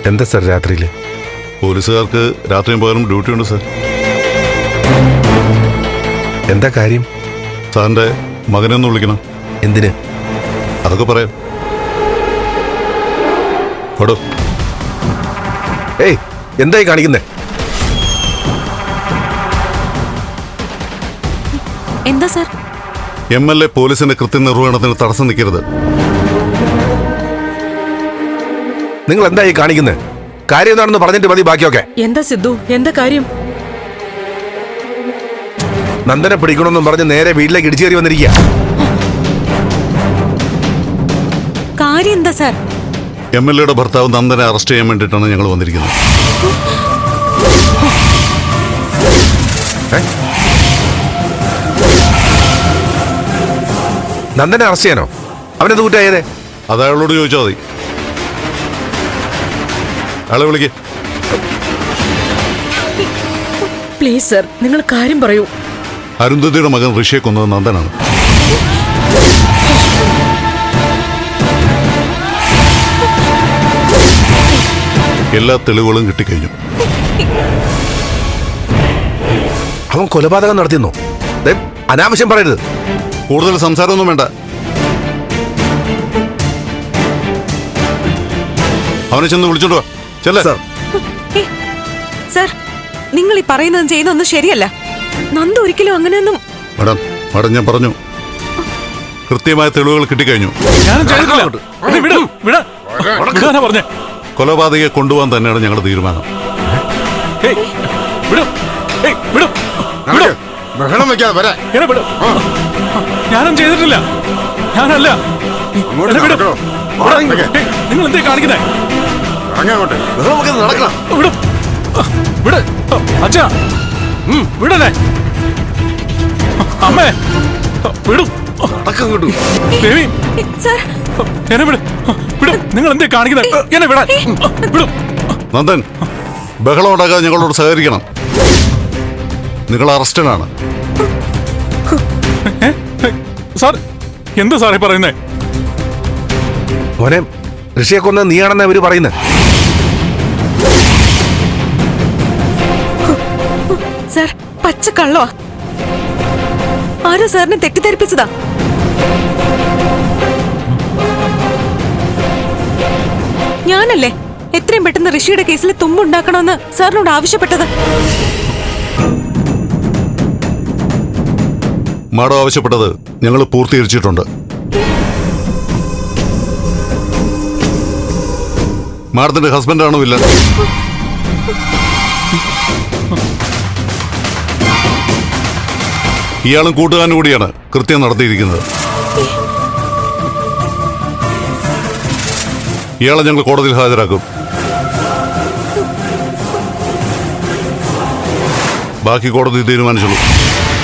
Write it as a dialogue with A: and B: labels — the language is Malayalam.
A: എന്താ സാർ രാത്രിയിൽ?
B: പോലീസുകാർക്ക് രാത്രിയും പകലും ഡ്യൂട്ടി ഉണ്ട് സാർ.
A: എന്താ കാര്യം?
B: സാറിൻ്റെ മകനെ ഒന്ന് വിളിക്കണം.
A: എന്തിന്?
B: അതൊക്കെ പറയാം. ഓടോ.
A: ഏയ്, എന്തായി കാണിക്കുന്നേ?
C: എന്താ സാർ?
B: MLA പോലീസിന്റെ കൃത്യനിർവഹണത്തിന് തടസ്സം നിൽക്കരുത്.
A: നിങ്ങൾ എന്തായി കാണിക്കുന്നത്? കാര്യം എന്താണെന്ന് പറഞ്ഞിട്ട് മതി ബാക്കിയൊക്കെ.
D: എന്താ സിദ്ധു, എന്താ കാര്യം?
A: നന്ദനെ പിടിക്കണമെന്നും പറഞ്ഞ് നേരെ വീട്ടിലേക്ക് ഇടിച്ചു കയറി വന്നിരിക്കുക.
C: കാര്യം എന്താ സാർ?
B: MLAയുടെ ഭർത്താവ് നന്ദനെ അറസ്റ്റ് ചെയ്യാൻ വേണ്ടിയിട്ടാണ് ഞങ്ങൾ വന്നിരിക്കുന്നത്.
A: നന്ദനെ അറസ്റ്റ് ചെയ്യാനോ? അവനെന്ത് കുറ്റായതേ?
B: അത് അയാളോട് ചോദിച്ചാൽ മതി. അയാളെ വിളിക്ക്.
D: പ്ലീസ് സർ, നിങ്ങൾ കാര്യം പറയൂ.
B: അരുന്ധതിയുടെ മകൻ ഋഷിയെ കൊന്നത് നന്ദനാണ്. എല്ലാ തെളിവുകളും കിട്ടിക്കഴിഞ്ഞു.
A: അവൻ കൊലപാതകം നടത്തിയെന്നോ? അനാവശ്യം പറയരുത്.
B: കൂടുതൽ സംസാരമൊന്നും വേണ്ട. അവനെ ചെന്ന് വിളിച്ചോണ്ട് വാ. ചെല്ല.
C: സാർ, നിങ്ങൾ ഈ പറയുന്നതും ചെയ്യുന്നതൊന്നും ശരിയല്ല. നന്ദ ഒരിക്കലും അങ്ങനെയൊന്നും.
B: മാഡം ഞാൻ പറഞ്ഞു, കൃത്യമായ തെളിവുകൾ കിട്ടിക്കഴിഞ്ഞു. കൊലപാതകയെ കൊണ്ടുപോകാൻ തന്നെയാണ് ഞങ്ങളുടെ തീരുമാനം.
E: ഞാനും ചെയ്തിട്ടില്ല. ഞാനല്ല. നിങ്ങൾ എന്തേ കാണിക്കുന്നേ? അച്ഛാ, വിടല്ലേ അമ്മേ, വിടും. ദേവി, എന്നെ വിട്. വിടും. നിങ്ങൾ എന്തേ കാണിക്കുന്നേ? എന്നെ വിടാൻ വിടും.
B: നന്ദൻ, ബഹളം ഉണ്ടാക്കാതെ ഞങ്ങളോട് സഹകരിക്കണം. നിങ്ങൾ അറസ്റ്റഡാണ്.
E: സാർ, എന്താ സാറേ പറയുന്നേ?
A: മോനെ, ഋഷിയെ കൊന്ന നീയാണെന്ന് അവര് പറയുന്നത്.
C: സാർ, പച്ചക്കള്ളോ? ആരോ സാറിനെ തെറ്റിദ്ധരിപ്പിച്ചതാ. ഞാനല്ലേ എത്രയും പെട്ടെന്ന് ഋഷിയുടെ കേസിൽ തുമ്പുണ്ടാക്കണമെന്ന് സാറിനോട് ആവശ്യപ്പെട്ടത്.
B: മാഡം ആവശ്യപ്പെട്ടത് ഞങ്ങൾ പൂർത്തീകരിച്ചിട്ടുണ്ട്. മാഡത്തിന്റെ ഹസ്ബൻഡാണോ ഇല്ല? ഇയാളും കൂട്ടുകാരനും കൂടിയാണ് കൃത്യം നടത്തിയിരിക്കുന്നത്. ഇയാളെ ഞങ്ങൾ കോടതിയിൽ ഹാജരാക്കും. ബാക്കി കോടതി തീരുമാനിച്ചുള്ളൂ.